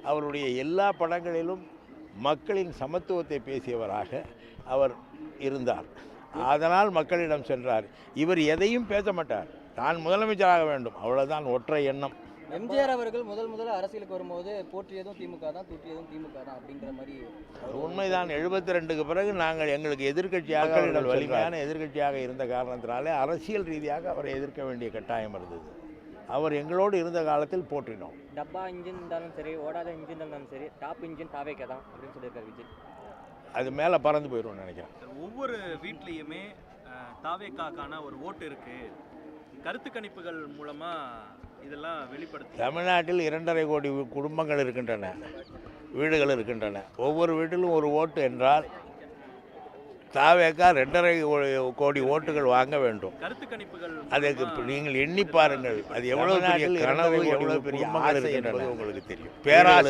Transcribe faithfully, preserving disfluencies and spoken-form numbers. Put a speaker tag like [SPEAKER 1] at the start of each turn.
[SPEAKER 1] அவருடைய எல்லா படங்களிலும் மக்களின் சமத்துவத்தை பேசியவராக அவர் இருந்தார். அதனால் மக்களிடம் சென்றார். இவர் எதையும் பேச மாட்டார், தான் முதலமைச்சராக வேண்டும், அவ்வளோதான் ஒற்றை எண்ணம்.
[SPEAKER 2] எம்ஜிஆர் அவர்கள் முதல் முதல்ல அரசியலுக்கு வரும்போது போற்றியதும் திமுக தான், தூற்றியதும் திமுக தான் அப்படிங்கிற மாதிரி.
[SPEAKER 1] உண்மைதான். எழுபத்தி ரெண்டுக்கு பிறகு நாங்கள் எங்களுக்கு எதிர்க்கட்சியாக அவர்கள் வலிமையான எதிர்க்கட்சியாக இருந்த காரணத்தினாலே அரசியல் ரீதியாக அவரை எதிர்க்க வேண்டிய கட்டாயம் இருந்தது. அவர் எங்களோடு இருந்த காலத்தில் போற்றினோம்.
[SPEAKER 2] டப்பா இன்ஜின் இருந்தாலும் சரி, ஓடாத இன்ஜின் இருந்தாலும் சரி, டாப் இன்ஜின் தாவேக்கா தான் அப்படின்னு சொல்லியிருக்காரு விஜய்.
[SPEAKER 1] அது மேலே பறந்து போயிடும்னு நினைக்கிறேன்.
[SPEAKER 3] ஒவ்வொரு வீட்லேயுமே தாவேக்காக்கான ஒரு ஓட்டு இருக்கு, கருத்து கணிப்புகள் மூலமா இதெல்லாம் வெளிப்படுத்தி.
[SPEAKER 1] தமிழ்நாட்டில் இரண்டரை கோடி குடும்பங்கள் இருக்கின்றன, வீடுகள் இருக்கின்றன. ஒவ்வொரு வீட்டிலும் ஒரு ஓட்டு என்றால் தாவேக்கா ரெண்டரை கோடி ஓட்டுகள் வாங்க வேண்டும்.
[SPEAKER 3] கருத்து கணிப்புகள்
[SPEAKER 1] அதுக்கு நீங்கள் எண்ணி பாருங்கள், அது எவ்வளவு பெரிய கனவு, எவ்வளவு பெரிய ஆசை என்பது உங்களுக்கு தெரியும். பேராசை